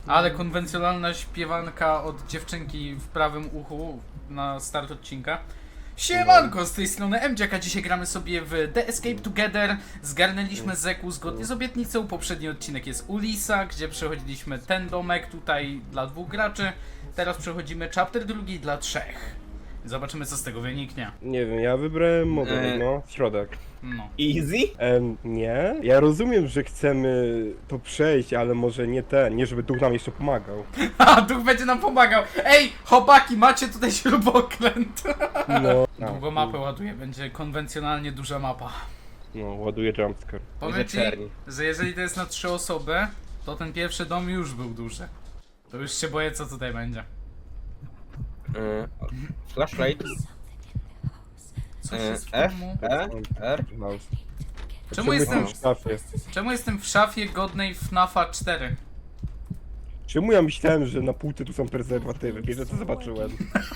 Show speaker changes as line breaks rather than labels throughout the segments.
Ale konwencjonalna śpiewanka od dziewczynki w prawym uchu na start odcinka. Siemanko, z tej strony MJack, a dzisiaj gramy sobie w The Escape Together. Zgarnęliśmy Zeku zgodnie z obietnicą. Poprzedni odcinek jest Ulisa, gdzie przechodziliśmy ten domek tutaj dla 2 graczy. Teraz przechodzimy chapter drugi dla 3. Zobaczymy, co z tego wyniknie.
Nie wiem, ja wybrałem model, no, środek.
No.
Easy?
Nie? Ja rozumiem, że chcemy to przejść, ale może nie żeby duch nam jeszcze pomagał.
A, duch będzie nam pomagał. Ej, chłopaki, macie tutaj śrubokręt.
No.
Długo mapę ładuje, będzie konwencjonalnie duża mapa.
No, ładuję jumpscare.
Powiem ci,
czerni.
że jeżeli to jest na 3 osoby, to ten pierwszy dom już był duży. To już się boję, co tutaj będzie.
Flashlight.
Coś jest w
F,
domu.
R.
House.
Czemu jestem,
w szafie?
czemu jestem w szafie godnej FNAFa 4?
Czemu ja myślałem, że na półce tu są prezerwatywy? Pierwsze co zobaczyłem.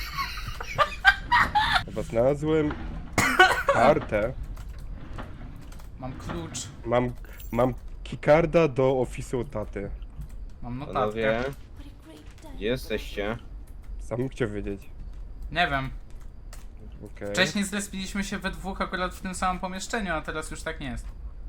Chyba znalazłem kartę.
Mam klucz,
Mam keycarda do ofisu taty.
mam notatkę.
Panowie, gdzie jesteście?
Sam bym chciał wiedzieć.
Nie wiem.
Okej.
Wcześniej zrespiliśmy się we dwóch akurat w tym samym pomieszczeniu, a teraz już tak nie jest.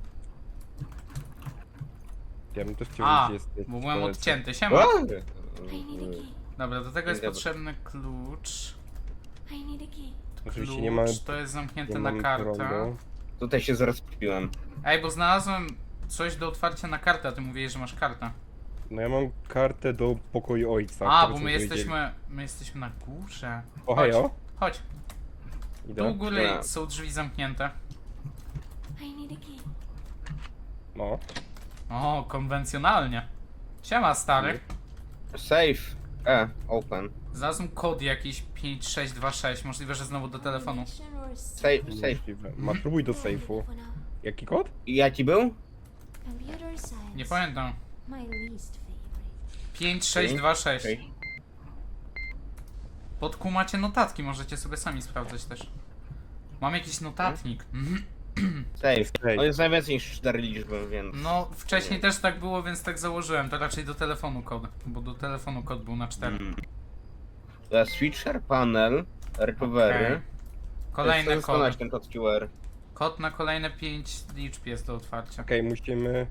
Ja bym też chciał
A,
wiedzieć, gdzie jest.
bo byłem
polecę.
odcięty. Siema.
What?
Dobra, do tego jest
Dobra.
potrzebny klucz.
Oczywiście nie mamy,
Klucz, to jest zamknięte
nie
na
mamy
kartę.
prądu.
Tutaj się zaraz kupiłem.
Ej, bo znalazłem coś do otwarcia na kartę, a ty mówiłeś, że masz kartę.
No ja mam kartę do pokoju ojca.
A,
który
bo
są
my jesteśmy na górze.
O, hejo.
Chodź.
Idę.
Tu u góry
Dobra.
są drzwi zamknięte.
No.
O, konwencjonalnie. Siema, stary.
Safe. Open.
Znalazłem kod jakiś 5626, możliwe, że znowu do telefonu.
Safe.
Możliwe. Próbuj do sejfu. Jaki kod?
I jaki był?
Nie pamiętam. 5626.
Okej.
Pod kół macie notatki, możecie sobie sami sprawdzać też. Mam jakiś notatnik.
Safe.
Safe.
On jest najwięcej niż 4 liczby, więc...
No, wcześniej też tak było, więc tak założyłem. To raczej do telefonu kod, bo do telefonu kod był na 4.
The switcher, panel, recovery.
Okej. Kolejny
Chcę skonać
kod.
ten kod QR.
Kod na kolejne 5 liczb jest do otwarcia.
Okej, musimy...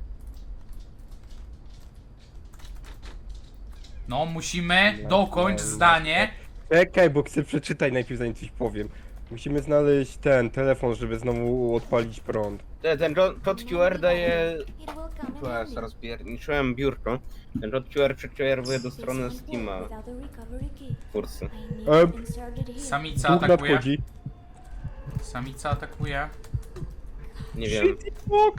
No, musimy dokończ zdanie.
Czekaj, bo chcę przeczytać najpierw zanim coś powiem. Musimy znaleźć ten telefon, żeby znowu odpalić prąd.
Ten kod QR daje... Zaraz rozpierniczyłem biurko. Ten kod QR przekierowuje do strony Steama. Kursy.
Samica
Duch
atakuje.
nadchodzi.
Samica atakuje.
Nie wiem.
Fuck.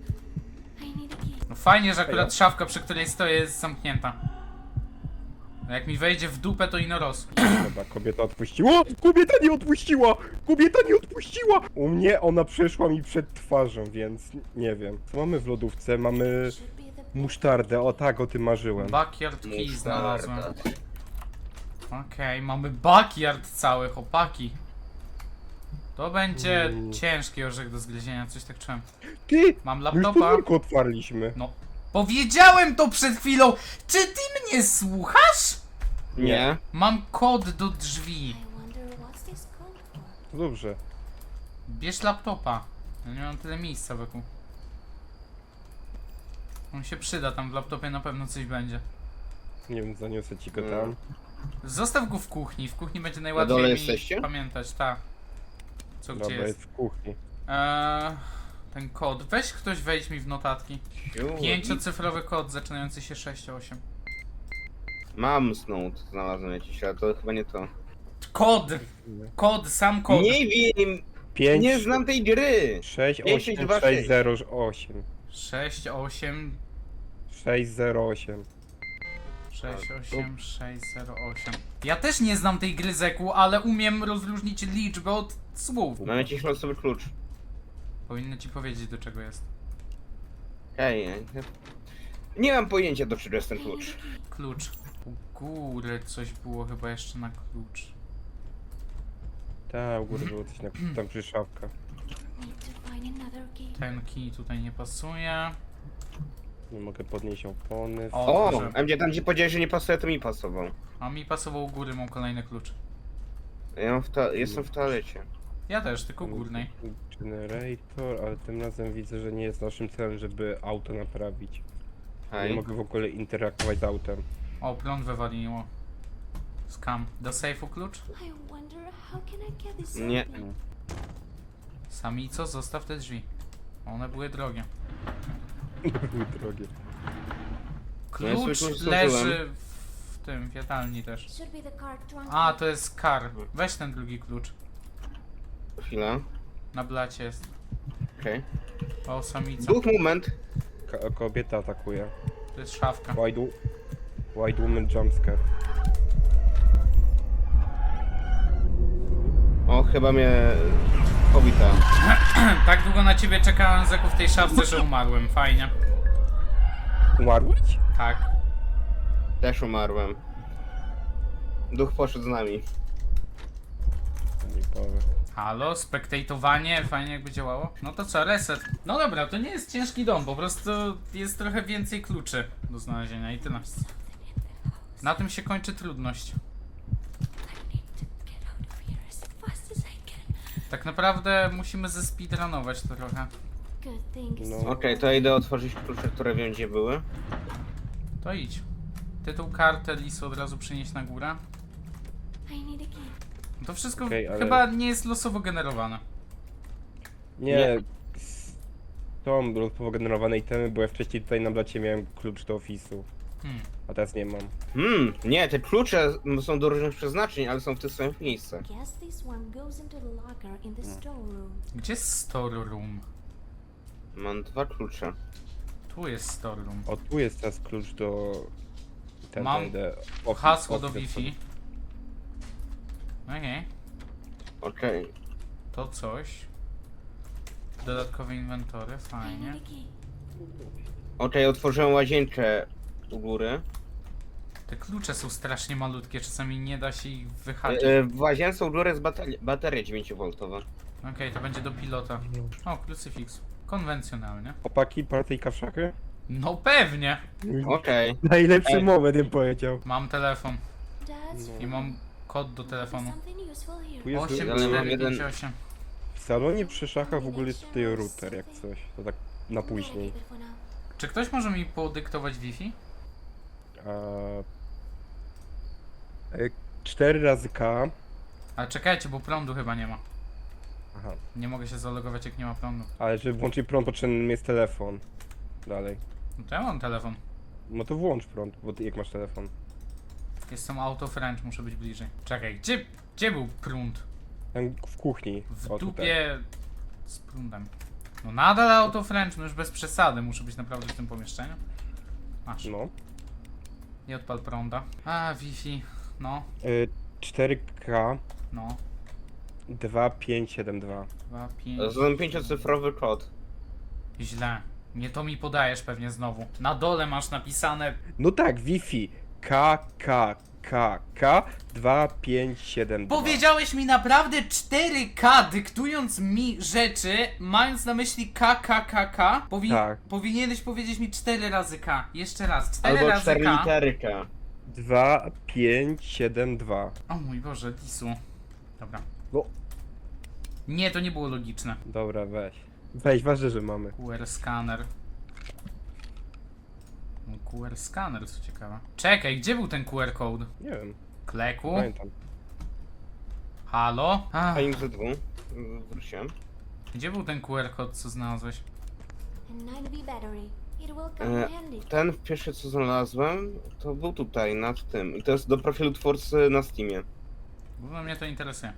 No fajnie, że akurat szafka, przy której stoję, jest zamknięta. No jak mi wejdzie w dupę, to ino roz.
Dobra, kobieta odpuściła! Kobieta nie odpuściła! Kobieta nie odpuściła! U mnie ona przeszła mi przed twarzą, więc nie wiem. Co mamy w lodówce? Mamy musztardę, o tak, o tym marzyłem.
Backyard key znalazłem.
Musztarda.
Okej, mamy backyard cały, chłopaki. To będzie ciężki orzech do zgryzienia, coś tak czułem.
Ty!
Mam
My już
laptopa.
podwórko otwarliśmy.
No. Powiedziałem to przed chwilą! Czy ty mnie słuchasz?
Nie.
Mam kod do drzwi.
To dobrze.
Bierz laptopa. Ja nie mam tyle miejsca wokół. On się przyda, tam w laptopie na pewno coś będzie.
Nie wiem, zaniosę ci go tam.
Zostaw go w kuchni będzie
Na
najłatwiej
dole
mi
jesteście?
pamiętać, tak. Co gdzie
Dobra,
jest?
jest w kuchni.
Ten kod. Weź ktoś wejdź mi w notatki.
Siu.
5-cyfrowy kod zaczynający się 6-8.
Mam snout, znalazłem jakiś, ale to chyba nie to.
Kod! Kod, sam kod.
Nie wiem!
5,
Nie znam tej gry!
6,
5,
8,
2,
6, 0, 8.
6-8.
6, 0, 8.
68608. Ja też nie znam tej gry Zeku, ale umiem rozróżnić liczbę od słów.
Mam jakiś losowy klucz.
Powinno ci powiedzieć, do czego jest.
Ej, nie mam pojęcia, do czego jest ten klucz.
Klucz. U góry coś było chyba jeszcze na klucz.
Tak, u góry było coś na tam przy szafka.
Ten kij tutaj nie pasuje.
Nie mogę podnieść opony.
O,
O,
proszę.
MJ, tam gdzie powiedziałeś, że nie pasuje, to mi pasował.
A mi pasował u góry, mam kolejny klucz.
Ja mam jestem w toalecie.
Ja też, tylko górnej.
Generator, ale tym razem widzę, że nie jest naszym celem, żeby auto naprawić. Nie
Hej.
mogę w ogóle interaktować z autem.
O, prąd wywaliło. Skam. Do sejfu klucz?
Nie.
Sami co? Zostaw te drzwi. One były drogie.
Były drogie.
No ja
Klucz
sobie klucz
leży
zdążyłem.
w tym, w jadalni też. A, to jest kar. Weź ten drugi klucz.
Chwila.
Na blacie jest.
Okej.
O, samica.
Duch, moment.
Kobieta atakuje.
To jest szafka.
White woman jumpscare.
O, chyba mnie pobita.
Tak długo na ciebie czekałem, Zeku, w tej szafce, że umarłem. Fajnie.
Umarłeś?
Tak.
Też umarłem. Duch poszedł z nami.
Nie powiem.
Halo, spektatowanie, fajnie jakby działało. No to co, reset. No dobra, to nie jest ciężki dom, po prostu jest trochę więcej kluczy do znalezienia i tyle. Na tym się kończy trudność. Tak naprawdę musimy zespeedrunować to trochę.
No.
Okej, to idę otworzyć klucze, które wiem gdzie były.
To idź. Tytuł, kartę, list od razu przynieść na górę. To wszystko
Okej, ale-
chyba nie jest losowo generowane.
Nie. Są losowo generowane itemy, bo ja wcześniej tutaj na blacie miałem klucz do ofisu. A teraz nie mam.
Nie, te klucze są do różnych przeznaczeń, ale są w tych samych miejscach.
Gdzie jest store room?
Mam 2 klucze.
Tu jest store room.
O, tu jest teraz klucz do...
Mam hasło do Wi-Fi. Okej.
Okej.
To coś. Dodatkowe inwentory, fajnie.
Okej, otworzyłem łazienkę u góry.
Te klucze są strasznie malutkie, czasami nie da się ich wyhaczyć.
W łazience u góry jest bateria 9V.
Okej, to będzie do pilota. O, krucyfiks. Konwencjonalnie.
Chłopaki, partyjka w szachy?
No pewnie!
Okej.
Najlepszy
Ej.
moment, bym powiedział.
Mam telefon i mam kod do telefonu.
Tu jest
8458.
w salonie przy szachach w ogóle jest tutaj router, jak coś. To tak na później.
Czy ktoś może mi podyktować Wi-Fi?
A... 4 razy K.
Ale czekajcie, bo prądu chyba nie ma.
Aha.
Nie mogę się zalogować, jak nie ma prądu.
Ale żeby włączyć prąd, potrzebny jest telefon. Dalej.
No to ja mam telefon.
No to włącz prąd, bo ty jak masz telefon.
Jestem auto French, muszę być bliżej. Czekaj, gdzie był prąd?
Tam w kuchni.
W
O, tutaj.
dupie z prądem. No nadal auto French, no już bez przesady, muszę być naprawdę w tym pomieszczeniu. Masz,
No.
nie odpal prąda. A, Wi-Fi, no,
4K
no.
2572.
2, 5.
To jest 5-cyfrowy kod.
Źle. Nie to mi podajesz pewnie znowu. Na dole masz napisane.
No tak, Wi-Fi. KKKK 2572.
Powiedziałeś mi naprawdę 4K, dyktując mi rzeczy, mając na myśli KKKK.
Tak.
Powinieneś powiedzieć mi 4 razy K. Jeszcze raz, 4
Albo
razy
4
K.
litery K.
2572.
O mój Boże, Lisu. Dobra.
No.
Nie, to nie było logiczne.
Dobra, weź. Weź, ważne, że mamy.
QR scanner. No, QR scanner, co ciekawe. Czekaj, gdzie był ten QR code?
Nie wiem,
Kleku?
pamiętam.
Halo? Ach,
A im ze 2. Wróciłem.
gdzie był ten QR code, co znalazłeś?
Ten pierwszy co znalazłem, to był tutaj, nad tym. I to jest do profilu twórcy na Steamie.
Bo mnie to interesuje.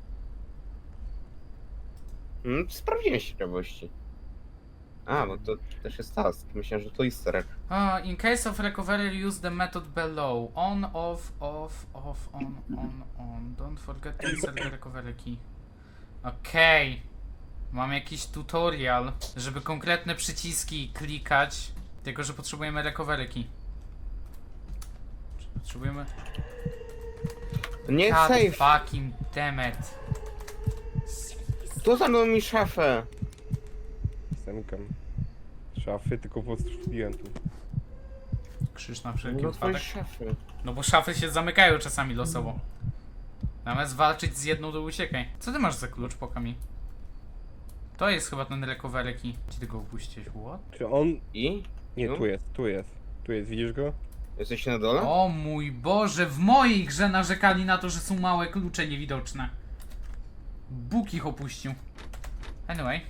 Sprawdziłem z ciekawości. A, bo to też jest task. Myślałem, że to easter egg.
In case of recovery, use the method below. On, off, on. Don't forget to insert the recovery key. Okej. Mam jakiś tutorial, żeby konkretne przyciski klikać. Tylko, że potrzebujemy recovery key. Czy potrzebujemy...
Nie
God
safe!
fucking dammit.
Tu zamknął mi szafę!
Zamykam. szafy, tylko po prostu szukałem tu.
Krzyż na wszelki
No twoje
wypadek.
szafy.
No bo szafy się zamykają czasami losowo. Zamiast walczyć z jedną, to uciekaj. Co ty masz za klucz, poka mi? To jest chyba ten recovery key. Gdzie ty go upuściłeś? What?
Czy on...
I?
Nie,
No.
tu jest, tu jest. Tu jest, widzisz go?
Jesteś na dole?
O mój Boże, w mojej grze narzekali na to, że są małe klucze niewidoczne. Bóg ich opuścił. Anyway.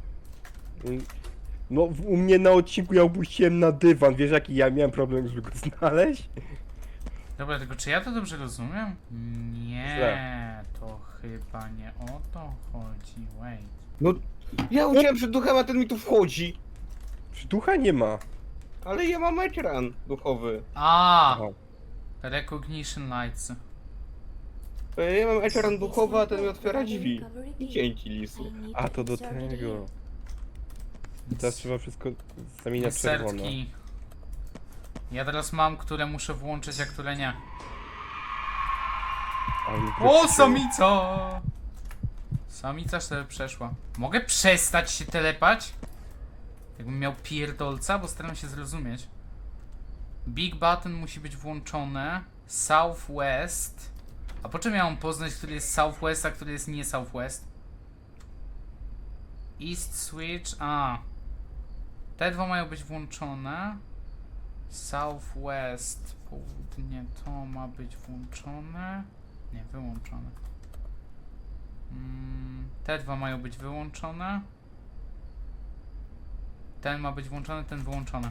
No, u mnie na odcinku ja opuściłem na dywan, wiesz jaki ja miałem problem, żeby go znaleźć?
Dobra, tylko czy ja to dobrze rozumiem? Nie,
Źle.
to chyba nie o to chodzi. Wait.
No, ja uciekłem przed duchem, a ten mi tu wchodzi.
Czy ducha nie ma?
Ale ja mam ekran duchowy.
A,
Aha.
recognition lights.
Ja mam ekran duchowy, a ten mi otwiera drzwi. Dzięki, lisy.
A, to do tego. Teraz trzeba wszystko zamieniać w czerwono.
Insertki. Ja teraz mam, które muszę włączyć, a które nie.
Ale mi
O,
wróciło.
samica! Samica sobie przeszła. Mogę przestać się telepać? Jakbym miał pierdolca, bo staram się zrozumieć. Big button musi być włączone. Southwest. A po czym ja mam poznać, który jest Southwest, a który jest nie Southwest? East switch. A. Te dwa mają być włączone. Southwest. Południe to ma być włączone. Nie, wyłączone. Te dwa mają być wyłączone. Ten ma być włączony, ten wyłączony.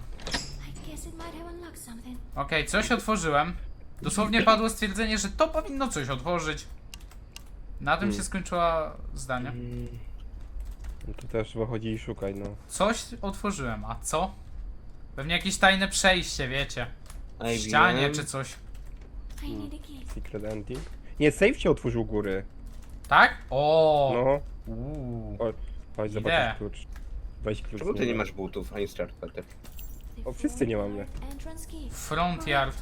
Okej, coś otworzyłem. Dosłownie padło stwierdzenie, że to powinno coś otworzyć. Na tym się skończyło zdanie.
No to teraz trzeba chodzić i szukać, no.
Coś otworzyłem, a co? Pewnie jakieś tajne przejście, wiecie. W
IBM.
ścianie czy coś.
Secret ending. Nie, safe się otworzył u góry.
Tak? O.
No.
Uuu.
O, chodź
Idę.
zobaczyć klucz. Weź klucz.
Czemu
z
ty nie
niego.
masz butów, ani startpater?
O, wszyscy nie mamy.
Front yard.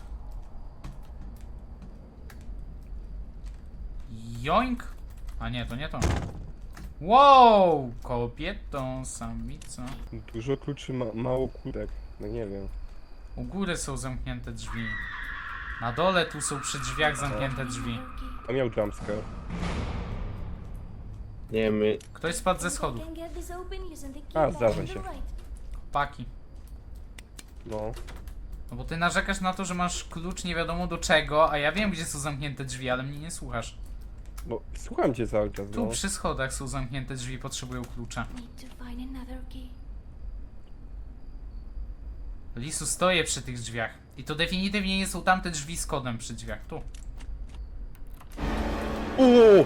Joink. A nie, to nie to. Wow! Kobietą, samica.
Dużo kluczy, mało kłódek. No nie wiem.
U góry są zamknięte drzwi. Na dole tu są przy drzwiach zamknięte drzwi.
A miał jumpscare.
Nie wiem,
Ktoś spadł ze schodów.
A, zdarza się.
Paki.
No.
No bo ty narzekasz na to, że masz klucz nie wiadomo do czego, a ja wiem gdzie są zamknięte drzwi, ale mnie nie słuchasz.
No, słucham cię cały czas,
Tu
no.
przy schodach są zamknięte drzwi, potrzebują klucza. Lisu, stoję przy tych drzwiach. I to definitywnie nie są tamte drzwi z kodem przy drzwiach. Tu.
Uuu!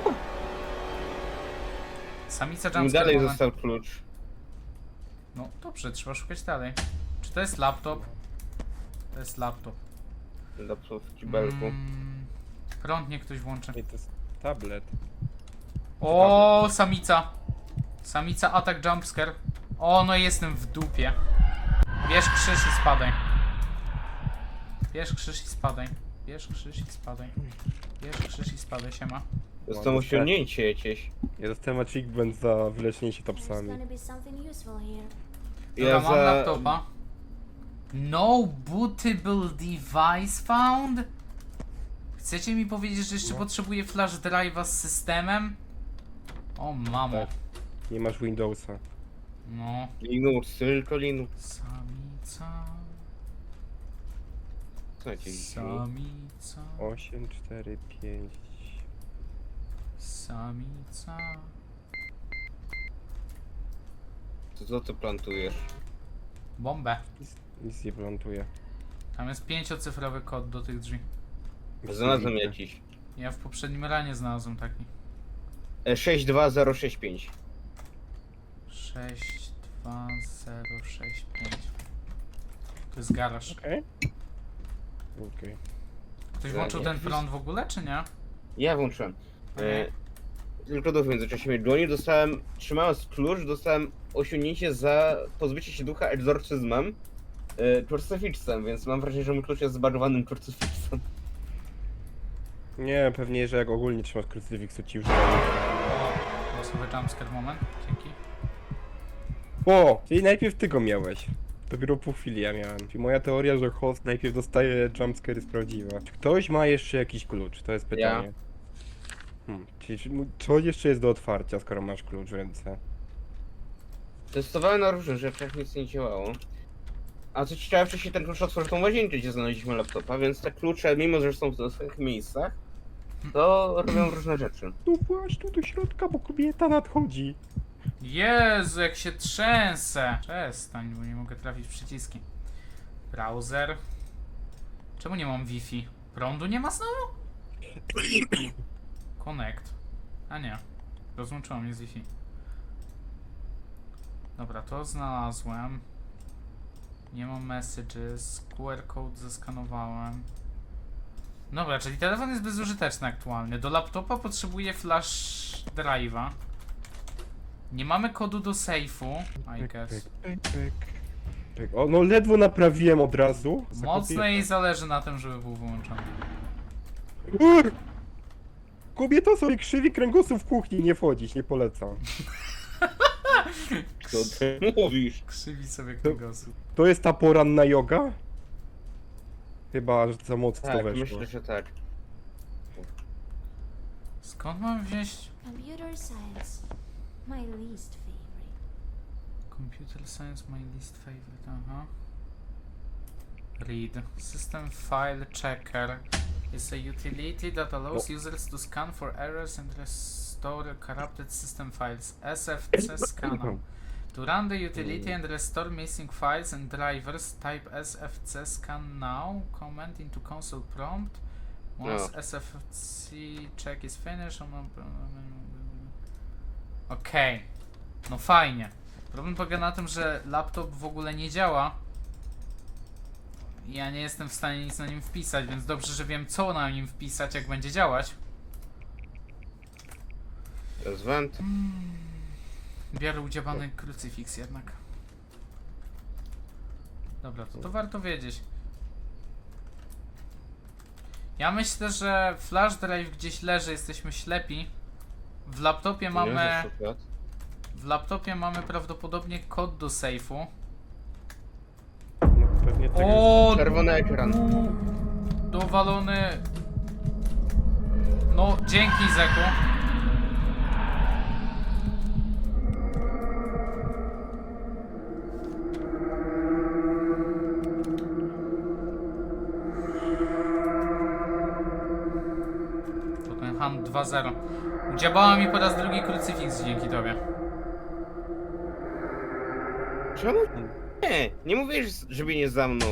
Samica
mi
jumpscare
dalej
moment.
został klucz.
No dobrze, trzeba szukać dalej. Czy to jest laptop? To jest laptop.
Laptop w kibelku.
Prąd niech ktoś włączy.
Ej, to jest tablet.
O, samica. Samica atak jumpscare. O, no jestem w dupie. Bierz krzyż i spadaj. Bierz krzyż i spadaj. Bierz krzyż i spadaj. Bierz krzyż i spadaj, siema.
Dostałem osiągnięcie jakieś.
Ja dostałem achievement za wyleczenie się topsami.
Dobra, mam laptopa. No bootable device found? Chcecie mi powiedzieć, że jeszcze
No.
potrzebuję flash drive'a z systemem? O mamo.
Tak. Nie masz Windowsa.
No.
Linux, tylko Linux.
Samica.
Co jakieś drzwi?
Samica.
8, 4, 5.
Samica.
To co ty plantujesz?
Bombę.
Nic nie plantuje.
Tam jest 5-cyfrowy kod do tych drzwi.
Znalazłem jakiś.
Ja w poprzednim ranie znalazłem taki.
62065.
62065. To jest garaż.
Okej. Okej.
Ktoś
Ja
włączył
nie.
ten prąd w ogóle, czy nie?
Ja włączyłem.
Okej.
Tylko do w międzyczasie mnie dłoni. Dostałem, trzymając klucz, dostałem osiągnięcie za pozbycie się ducha egzorcyzmem. Krucyfiksem, więc mam wrażenie, że mój klucz jest zbagowanym krucyfiksem.
Nie, pewnie, że jak ogólnie trzymasz krucyfiksu ci już daje.
O, losowy jumpscare moment. Dzięki.
O! Czyli najpierw ty go miałeś. Dopiero po chwili ja miałem. Czyli moja teoria, że host najpierw dostaje jumpscare jest prawdziwa. Czy ktoś ma jeszcze jakiś klucz? To jest pytanie. Czyli co jeszcze jest do otwarcia, skoro masz klucz w ręce?
Testowałem na różnych rzeczach, nic nie działało. A co ciekawe, wcześniej ten klucz otworzył tą łazienkę, gdzie znaleźliśmy laptopa, więc te klucze, mimo że są w swoich miejscach, to robią różne rzeczy.
No właśnie tu do środka, bo kobieta nadchodzi.
Jezu, jak się trzęsę. Przestań, bo nie mogę trafić w przyciski. Browser. Czemu nie mam Wi-Fi? Prądu nie ma znowu? Connect. A nie. Rozłączyło mnie z Wi-Fi. Dobra, to znalazłem. Nie mam messages. QR code zeskanowałem. Dobra, czyli telefon jest bezużyteczny aktualnie. Do laptopa potrzebuję flash drive'a. Nie mamy kodu do safe'u, I guess.
O, no ledwo naprawiłem od razu. Za
Mocno jej
kobietę.
zależy na tym, żeby był wyłączony.
Ur! Kobieta sobie krzywi kręgosłup w kuchni, nie wchodzić, nie polecam.
Co ty mówisz?
Krzywi sobie kręgosłup.
To jest ta poranna joga? Chyba, że za mocno
Tak,
weszło.
myślę, że tak.
Skąd mam wziąć
Computer science, my least favorite.
Computer Science my least favorite, aha. Read. System File Checker is a utility that allows users to scan for errors and restore corrupted system files. SFC Scanner. To run the utility and restore missing files and drivers, type SFC scan now, command into console prompt. Once
No.
SFC check is finished, okej. No fajnie. Problem polega na tym, że laptop w ogóle nie działa. Ja nie jestem w stanie nic na nim wpisać, więc dobrze, że wiem co na nim wpisać, jak będzie działać.
To jest węd.
Biorę udziałany krucyfiks jednak. Dobra, to warto wiedzieć. Ja myślę, że flash drive gdzieś leży, jesteśmy ślepi. W laptopie mamy prawdopodobnie kod do safe'u.
No, pewnie tak jest.
O,
Czerwony ekran.
dowalony. No, dzięki Zeku. Tottenham 2-0. Udziałała mi po raz drugi krucyfiks dzięki tobie.
Czemu? Nie mówisz, żeby nie za mną.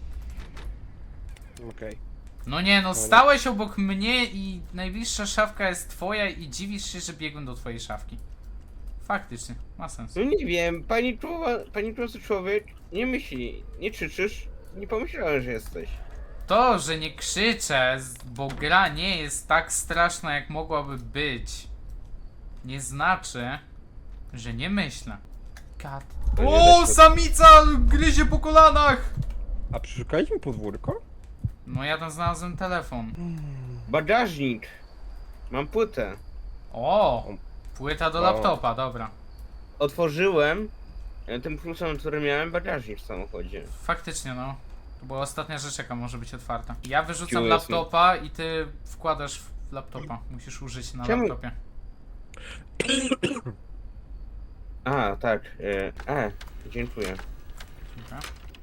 Okej.
No nie, no stałeś obok mnie i najbliższa szafka jest twoja i dziwisz się, że biegłem do twojej szafki. Faktycznie, ma sens.
No nie wiem, pani człowiek, nie myśli, nie krzyczysz, nie pomyślałem, że jesteś.
To, że nie krzyczę, bo gra nie jest tak straszna, jak mogłaby być, nie znaczy, że nie myślę. God.
To nie
O,
da się-
samica gryzie po kolanach!
A przeszukaliśmy podwórko?
No ja tam znalazłem telefon.
Bagażnik. Mam płytę.
O, płyta do
O.
laptopa, dobra.
Otworzyłem tym kluczem, który miałem bagażnik w samochodzie.
Faktycznie, no. To była ostatnia rzecz, jaka może być otwarta. Ja wyrzucam
QSM.
laptopa i ty wkładasz w laptopa. Musisz użyć na
Czemu?
laptopie.
A, tak. Dziękuję.
Dobra.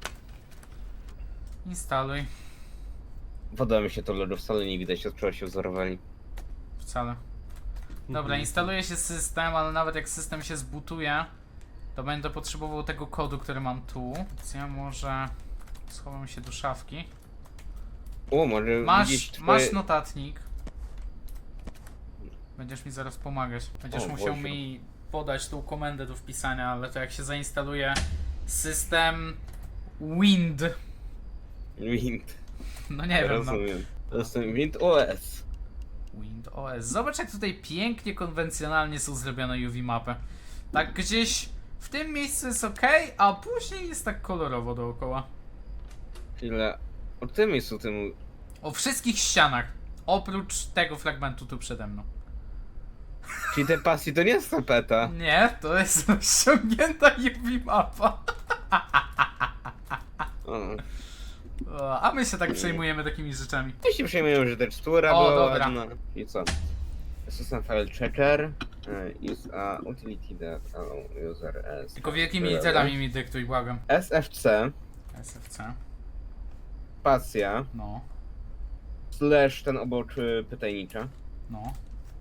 Instaluj.
Podoba mi się to logo, wcale nie widać, od czego się wzorowali.
Wcale. Dobra, instaluje się system, ale nawet jak system się zbutuje, to będę potrzebował tego kodu, który mam tu. Więc ja może schowam się do szafki.
O, może widzieć
Masz,
twoje...
masz notatnik. Będziesz mi zaraz pomagać. Będziesz
O,
musiał
Boże.
mi podać tą komendę do wpisania, ale to jak się zainstaluje system Wind.
Wind.
No nie wiem, no.
Rozumiem. To jest ten Wind OS.
Wind OS. Zobacz jak tutaj pięknie, konwencjonalnie są zrobione UV mapy. Tak gdzieś w tym miejscu jest ok, a później jest tak kolorowo dookoła.
Chwilę. O tym jest o tym.
O wszystkich ścianach. Oprócz tego fragmentu tu przede mną.
Czyli te pasji to nie jest tapeta.
Nie, to jest ściągnięta UV mapa. A my się tak przejmujemy takimi rzeczami.
Ja się przejmuję, że tekstura
O,
była
dobra.
ładna. I co? System file checker. Use a utility that allow user as...
Tylko wielkimi literami mi dyktuj, błagam.
SFC,
SFC.
spacja,
No,
slash ten obok pytajnicza,
no.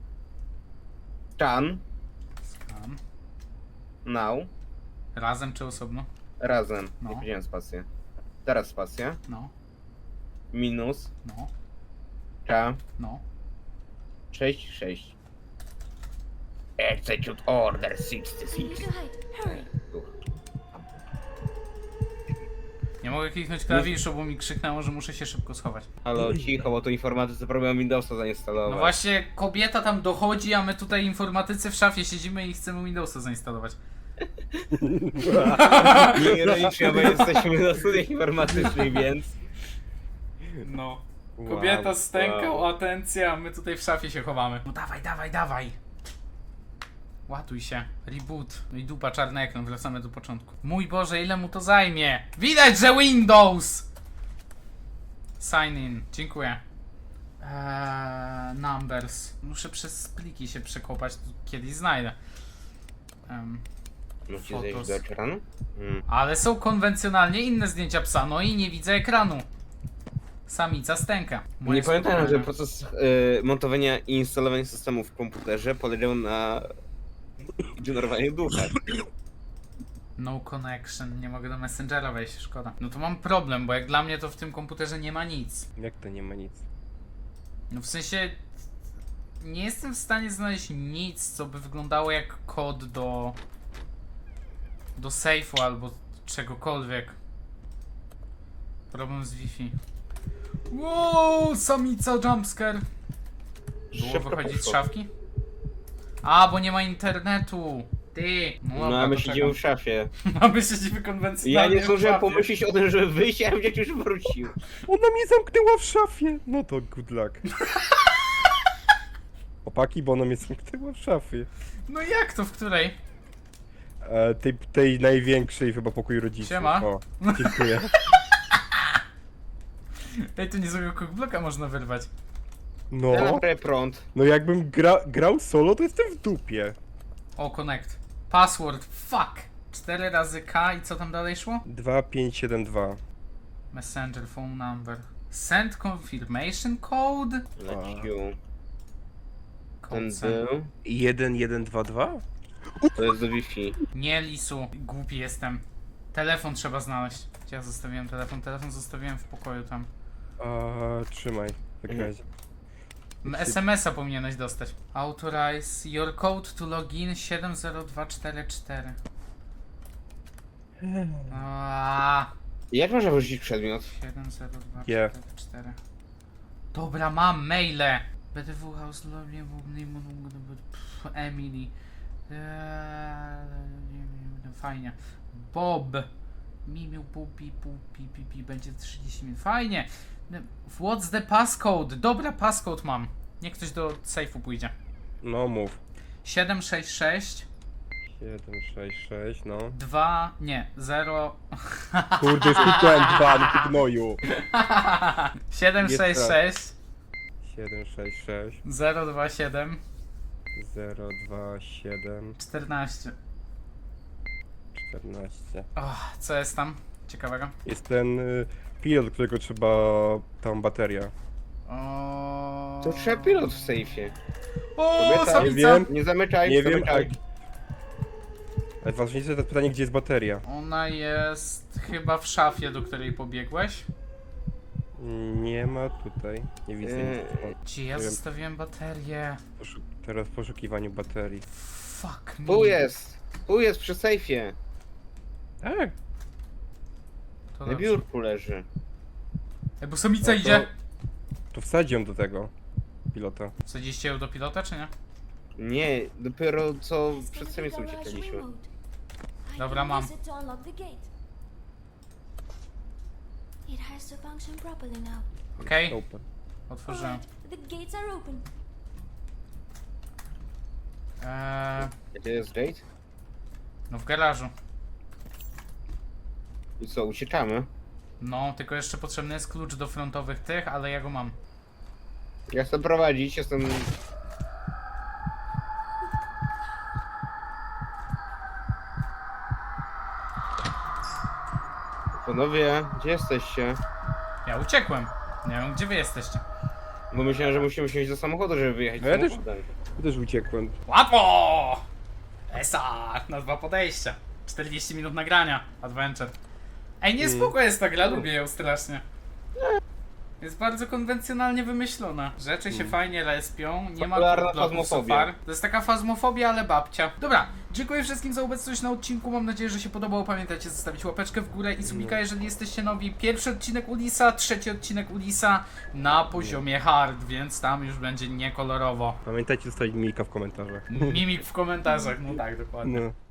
scan,
Scan.
now,
Razem czy osobno?
razem,
No.
nie powiedziałem spację. Teraz spacja,
No,
minus,
no,
K,
no.
6, 6. Execute order
You
66.
need to hide. Hurry.
Nie mogę kliknąć klawiszu, bo mi krzyknęło, że muszę się szybko schować.
Halo, cicho, bo to informatycy próbują Windowsa zainstalować.
No właśnie, kobieta tam dochodzi, a my tutaj informatycy w szafie siedzimy i chcemy Windowsa zainstalować.
Nie ironicznie, bo jesteśmy na studiach informatycznych, więc...
No.
Wow,
Kobieta stęka
wow.
o atencję, a my tutaj w szafie się chowamy. No dawaj, dawaj, dawaj. Ładuj się. Reboot. No i dupa, czarny ekran, wracamy do początku. Mój Boże, ile mu to zajmie? Widać, że Windows! Sign in. Dziękuję. Numbers. Muszę przez pliki się przekopać, to kiedyś znajdę.
Musicie
Fotos.
zejść do ekranu?
Ale są konwencjonalnie inne zdjęcia psa, no i nie widzę ekranu. Samica stęka. Moje
Nie pamiętam, że
spokojne.
proces montowania i instalowania systemu w komputerze polegał na generowaniu ducha.
No connection, nie mogę do Messengera wejść, szkoda. No to mam problem, bo jak dla mnie to w tym komputerze nie ma nic.
Jak to nie ma nic?
No w sensie... Nie jestem w stanie znaleźć nic, co by wyglądało jak kod do safe'u albo czegokolwiek. Problem z Wi-Fi. Wow, samica jumpscare. Było
Szybko
wychodzić z
poszło.
szafki? A, bo nie ma internetu. Ty.
No
dobra,
a my
to
siedzimy w
czekam.
szafie.
A my siedzimy
Ja
konwencjonalnie
nie
w
zdążyłem
szafie.
pomyśleć o tym, żeby wyjść, a gdzieś już wrócił.
Ona mnie zamknęła w szafie! No to good luck. Opaki, bo ona mnie zamknęła w szafie.
No jak to, w której?
Tej największej chyba pokój rodziców.
Siema.
O, dziękuję.
Ej, tu niezłego cookblocka można wyrwać.
Ja
No,
naprawię prąd.
no jakbym grał solo, to jestem w dupie.
O, connect. Password, fuck. 4 razy K i co tam dalej szło?
2572.
Messenger, phone number. Send confirmation code?
Leciu.
Code
Ten
send.
był.
1122?
To jest do Wi-Fi.
Nie, Lisu. Głupi jestem. Telefon trzeba znaleźć. Gdzie ja zostawiłem telefon? Telefon zostawiłem w pokoju tam.
Trzymaj, tak
Mhm.
razie.
SMS-a powinieneś dostać. Authorize your code to login 70244.
Jak można wyrzucić przedmiot?
70244. Dobra, mam maile. BTW House Lobby Emily. Fajnie. Bob. Mimiu pupi będzie 30 minut. Fajnie. What's the passcode? Dobra, passcode mam. Niech ktoś do safe'u pójdzie.
No mów.
766
766, no.
2 nie 0
Kurde, już kliknąłem 2, no ty gnoju.
766
766
027
027
14.
14.
Co jest tam ciekawego?
Jest ten pilot, którego trzeba... tam bateria.
To trzeba pilot w sejfie.
O,
Kobieta,
nie
samica!
wiem.
Nie zamykaj,
Nie wiem,
zamykaj.
ale ważniejsze to pytanie, gdzie jest bateria.
Ona jest chyba w szafie, do której pobiegłeś.
Nie ma tutaj. Nie widzę nic.
Gdzie ja
Nie wiem.
zostawiłem baterię?
Teraz w poszukiwaniu baterii.
Fuck me.
Tu jest przy sejfie.
Tak.
To
Na
dobrze.
biurku leży.
Ej, bo samica
No to-
idzie.
To wsadzi ją do tego pilota.
Wsadziliście ją do pilota, czy nie?
Nie, dopiero co
It's
przed
gonna
samicą
be garage
uciekaliśmy.
remote. I
Dobra,
can
mam.
use it to unlock the gate. It has to function properly now.
Okej,
Open.
otworzyłem.
Alright, the gates are open.
Gdzie jest gate?
No w garażu.
I co, uciekamy?
No, tylko jeszcze potrzebny jest klucz do frontowych tych, ale ja go mam.
Ja chcę prowadzić, jestem... Panowie, gdzie jesteście?
Ja uciekłem. Nie wiem, gdzie wy jesteście.
Bo myślałem, że musimy siąść do samochodu, żeby wyjechać
No ja też-
samochodem.
Ja też uciekłem.
Łatwo! Esa! Na 2 podejścia. 40 minut nagrania. Adventure. Ej, nie spoko jest ta gra, lubię ją strasznie. Jest bardzo konwencjonalnie wymyślona. Rzeczy się fajnie respią, nie ma
Popularna
bloków
fazmofobia.
sofar. To jest taka fazmofobia, ale babcia. Dobra, dziękuję wszystkim za obecność na odcinku. Mam nadzieję, że się podobało. Pamiętajcie zostawić łapeczkę w górę i subika, jeżeli jesteście nowi. Pierwszy odcinek Ulisa, trzeci odcinek Ulisa na poziomie hard, więc tam już będzie niekolorowo.
Pamiętajcie zostawić Milka w komentarzach.
Mimik w komentarzach, no tak, dokładnie.
No.